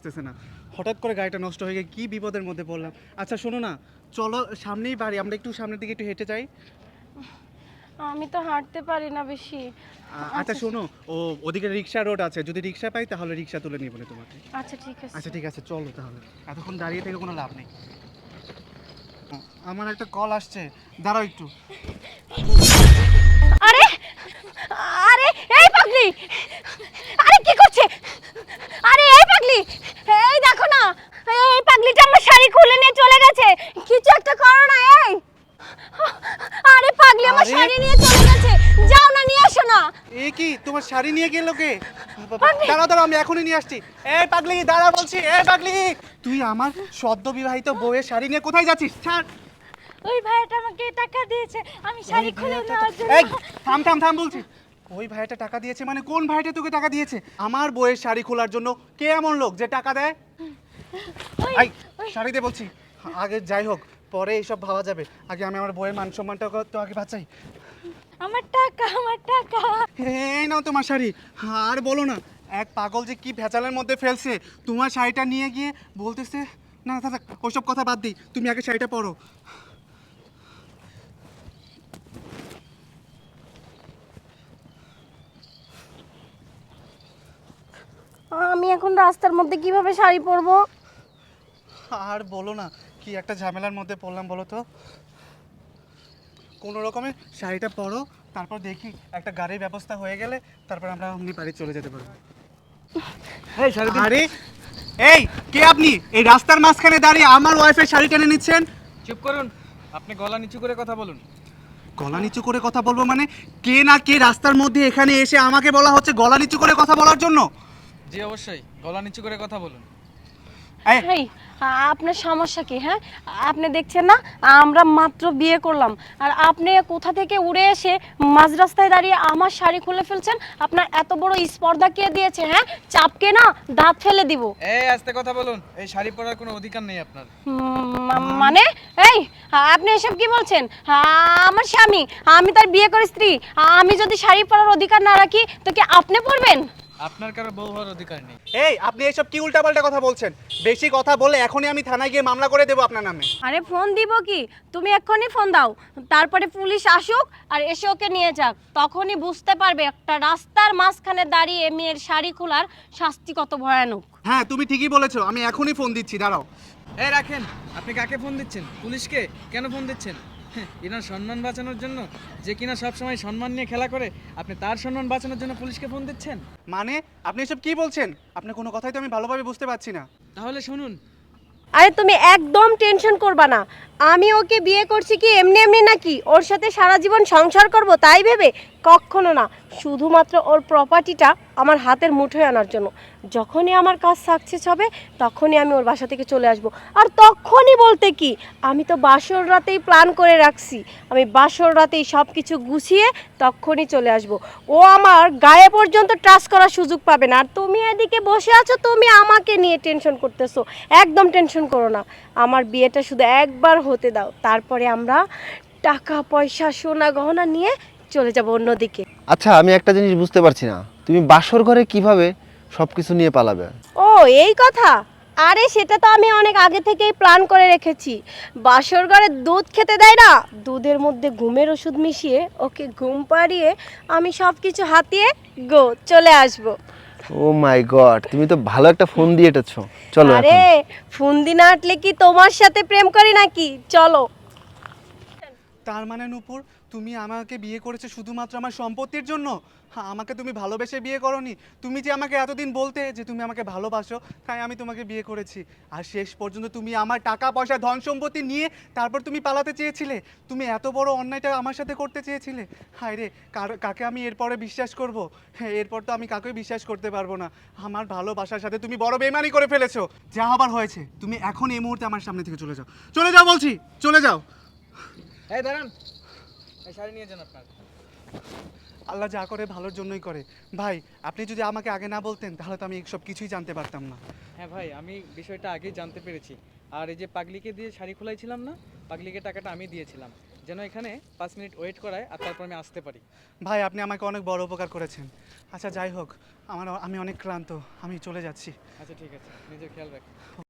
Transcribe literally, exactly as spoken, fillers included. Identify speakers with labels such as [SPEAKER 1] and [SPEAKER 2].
[SPEAKER 1] আসতেছে না, হঠাৎ করে গাড়িটা নষ্ট হয়ে গিয়ে কী বিপদের মধ্যে পড়লাম। আচ্ছা শোনো না, চলো সামনেই বাড়ি, আমরা একটু সামনের দিকে একটু হেঁটে যাই।
[SPEAKER 2] আমি তো হাঁটতে পারি না বেশি।
[SPEAKER 1] আ- আচ্ছা শোনো, ও ওদিকে রিক্সা রোড আছে, যদি রিক্সা পাই তাহলে রিক্সা তুলে নিয়ে বলে তোমাকে।
[SPEAKER 2] আচ্ছা ঠিক আছে।
[SPEAKER 1] আচ্ছা ঠিক আছে, চলো তাহলে, এতক্ষণ দাঁড়িয়ে থেকে কোনো লাভ নেই। আমার একটা কল আসছে, দাঁড়াও একটু।
[SPEAKER 2] আরে আরে এই পাগলি, আরে কি করছে? আরে এই পাগলি, এই দেখো না, এই পাগলিটা আমার শাড়ি খুলে নিয়ে চলে গেছে। কিছু একটা করো না। এই আরে পাগলি আমার
[SPEAKER 1] আরে!
[SPEAKER 2] শাড়ি নিয়ে চলে গেছে, যাও না নিয়ে আসো না।
[SPEAKER 1] এ কি, তোমার শাড়ি নিয়ে গেল কে?
[SPEAKER 2] পাগলি!
[SPEAKER 1] দাঁড়াও দাঁড়াও, আমি এখনই নিয়ে আসছি। এ পাগলি দাঁড়া বলছি, এ পাগলি, তুই আমার সদ্য বিবাহিত বউয়ের শাড়ি নিয়ে কোথায় যাচ্ছিস? ছাড়।
[SPEAKER 2] ওই ভাইটা আমাকে টাকা দিয়েছে আমি শাড়ি
[SPEAKER 1] ওই
[SPEAKER 2] খুলে
[SPEAKER 1] ভাইয়াটা-
[SPEAKER 2] নেওয়ার জন্য।
[SPEAKER 1] এই থাম থাম থাম বলছি। ওই ভাইটা টাকা দিয়েছে মানে কোন ভাইটা তোকে টাকা দিয়েছে? আমার বউয়ের শাড়ি খোলার জন্য কে এমন লোক যে টাকা দেয়?
[SPEAKER 2] ওই-
[SPEAKER 1] এই শাড়ি দে বলছি। আগে যাই হোক, পরে এইসব ভাবা যাবে, আগে আমি আমার বউয়ের মান সম্মানটা তো আগে বাঁচাই।
[SPEAKER 2] আমার টাকা, আমার টাকা।
[SPEAKER 1] এই নাও তোমার শাড়ি। আর বলো না, এক পাগল যে কি ভেজালের মধ্যে ফেলছে, তোমার শাড়িটা নিয়ে গিয়ে বলতেছে, না থাক থাক, ওইসব কথা বাদ দিই, তুমি আগে শাড়িটা পরো।
[SPEAKER 2] আমি এখন রাস্তার মধ্যে কিভাবে শাড়ি পরবো?
[SPEAKER 1] আর বলো না, কি একটা ঝামেলার মধ্যে পড়লাম বলো তো। কোনো রকমে শাড়িটা পরো, তারপর দেখি একটা গাড়ির ব্যবস্থা হয়ে গেলে তারপর আমরা অমনি বাড়ি চলে যেতে পারবো।
[SPEAKER 3] এই শাড়ি দিন।
[SPEAKER 1] আরে এই কে আপনি এই রাস্তার মাঝখানে দাঁড়িয়ে আমার ওয়াইফের শাড়ি টেনে নিচ্ছেন?
[SPEAKER 3] চুপ করুন, আপনি গলা নিচু করে কথা বলুন।
[SPEAKER 1] গলা নিচু করে কথা বলবো মানে? কে না কে রাস্তার মধ্যে এখানে এসে আমাকে বলা হচ্ছে গলা নিচু করে কথা বলার জন্য?
[SPEAKER 3] জি অবশ্যই, গলা নিচু করে কথা বলুন।
[SPEAKER 1] এই,
[SPEAKER 2] এই আপনার সমস্যা কি? হ্যাঁ, আপনি দেখছেন না আমরা মাত্র বিয়ে করলাম, আর আপনি কোথা থেকে উড়ে এসে মাঝ রাস্তায় দাঁড়িয়ে আমার শাড়ি খুলে ফেলছেন? আপনার এত বড় স্পর্ধা কে দিয়েছে? হ্যাঁ, চাপকে না দাঁত ফেলে দিব।
[SPEAKER 3] এই আস্তে কথা বলুন, এই শাড়ি পরার কোনো অধিকার নেই আপনার।
[SPEAKER 2] উম, মা- মানে এই আপনি এসব কি বলছেন? আমার স্বামী, আমি তার বিয়ে করে স্ত্রী, আমি যদি শাড়ি পরার অধিকার না রাখি তো কি আপনি পরবেন?
[SPEAKER 3] আপনার কারো বউ হওয়ার অধিকার নেই।
[SPEAKER 1] এই আপনি এসব কি উল্টাপাল্টা কথা বলছেন? বেশি কথা বলে এখনই আমি থানায় গিয়ে মামলা করে দেবো আপনার নামে।
[SPEAKER 2] আরে ফোন দিব কি? তুমি এক্ষুনি ফোন দাও, তারপরে পুলিশ আসুক আর এসে ওকে নিয়ে যাক, তখনই বুঝতে পারবে একটা রাস্তার মাঝখানে দাঁড়িয়ে মেয়ের শাড়ি খোলার শাস্তি কত ভয়ানক।
[SPEAKER 1] হ্যাঁ তুমি ঠিকই বলেছো, আমি এখনই ফোন দিচ্ছি, দাঁড়াও।
[SPEAKER 3] এই রাখেন, আপনি কাকে ফোন দিচ্ছেন? পুলিশকে? কেন ফোন দিচ্ছেন? হ্যাঁ, এনার সম্মান বাঁচানোর জন্য, যে কিনা সব সময় সম্মান নিয়ে খেলা করে, আপনি তার সম্মান বাঁচানোর জন্য পুলিশকে ফোন দিচ্ছেন?
[SPEAKER 1] মানে আপনি এসব কি বলছেন? আপনার কোনো কথাই তো আমি ভালোভাবে বুঝতে পারছি না।
[SPEAKER 3] তাহলে শুনুন,
[SPEAKER 2] আরে তুমি একদম টেনশন করবা না, আমি ওকে বিয়ে করছি কি এমনি এমনি নাকি ওর সাথে সারা জীবন সংসার করব তাই ভেবে? কখনো না, শুধুমাত্র ওর প্রপার্টিটা আমার হাতের মুঠোয় আনার জন্য। যখনই আমার কাজ সাকসেস হবে তখনই আমি ওর বাসা থেকে চলে আসব। আর তখনই বলতে কি, আমি তো বাসর রাতেই প্ল্যান করে রাখছি, আমি বাসর রাতেই সব কিছু গুছিয়ে তখনই চলে আসব। ও আমার গায়ে পর্যন্ত ট্রাস্ট করার সুযোগ পাবে না। আর তুমি এদিকে বসে আছো, তুমি আমাকে নিয়ে টেনশন করতেছো। একদম টেনশন করো না, আমার বিয়েটা শুধু একবার হতে দাও, তারপরে আমরা টাকা পয়সা সোনা গহনা নিয়ে চলে যাব অন্যদিকে।
[SPEAKER 4] আচ্ছা, আমি একটা জিনিস বুঝতে পারছি না, তুমি বাসর ঘরে কিভাবে সবকিছু নিয়ে পালাবে?
[SPEAKER 2] ও এই কথা? আরে সেটা তো আমি অনেক আগে থেকেই প্ল্যান করে রেখেছি। বাসর ঘরে দুধ খেতে দেয় না, দুধের মধ্যে ঘুমের ওষুধ মিশিয়ে ওকে ঘুম পাড়িয়ে আমি সব কিছু হাতিয়ে গো চলে আসব।
[SPEAKER 4] ও মাই গড, তুমি তো ভালো একটা ফোন দিয়ে এটেছো। চলো
[SPEAKER 2] আরে
[SPEAKER 4] এখন।
[SPEAKER 2] ফুন্দি না আটলে কি তোমার সাথে প্রেম করি নাকি? চলো।
[SPEAKER 1] তার মানে নূপুর, তুমি আমাকে বিয়ে করেছো শুধুমাত্র আমার সম্পত্তির জন্য? হ্যাঁ, আমাকে তুমি ভালোবেসে বিয়ে করোনি। তুমি যে আমাকে এতদিন বলতে যে তুমি আমাকে ভালোবাসো, তাই আমি তোমাকে বিয়ে করেছি। আর শেষ পর্যন্ত তুমি আমার টাকা পয়সা ধন সম্পত্তি নিয়ে তারপর তুমি পালাতে চেয়েছিলে। তুমি এত বড় অন্যায়টা আমার সাথে করতে চেয়েছিলে। হায় রে, কার- কাকে আমি এরপরে বিশ্বাস করব? হ্যাঁ, এরপর তো আমি কাকেই বিশ্বাস করতে পারবো না। আমার ভালোবাসার সাথে তুমি বড় বেইমানি করে ফেলেছো। যা হবার হয়েছে, তুমি এখন এই মুহূর্তে আমার সামনে থেকে চলে যাও। চলে যাও বলছি, চলে যাও।
[SPEAKER 3] এই দাঁড়ান, এই শাড়ি নিয়ে যান আপনার।
[SPEAKER 1] আল্লাহ যা করে ভালোর জন্যই করে। ভাই, আপনি যদি আমাকে আগে না বলতেন তাহলে তো আমি সব কিছুই জানতে পারতাম না।
[SPEAKER 3] হ্যাঁ ভাই, আমি বিষয়টা আগেই জানতে পেরেছি। আর এই যে পাগলিকে দিয়ে শাড়ি খোলাইছিলাম না, পাগলিকে টাকাটা আমি দিয়েছিলাম। যেন এখানে পাঁচ মিনিট ওয়েট করায় আর তারপর আমি আসতে পারি।
[SPEAKER 1] ভাই আপনি আমাকে অনেক বড় উপকার করেছেন। আচ্ছা যাই হোক, আমার আমি অনেক ক্লান্ত, আমি চলে যাচ্ছি।
[SPEAKER 3] আচ্ছা ঠিক আছে, নিজের খেয়াল রাখ।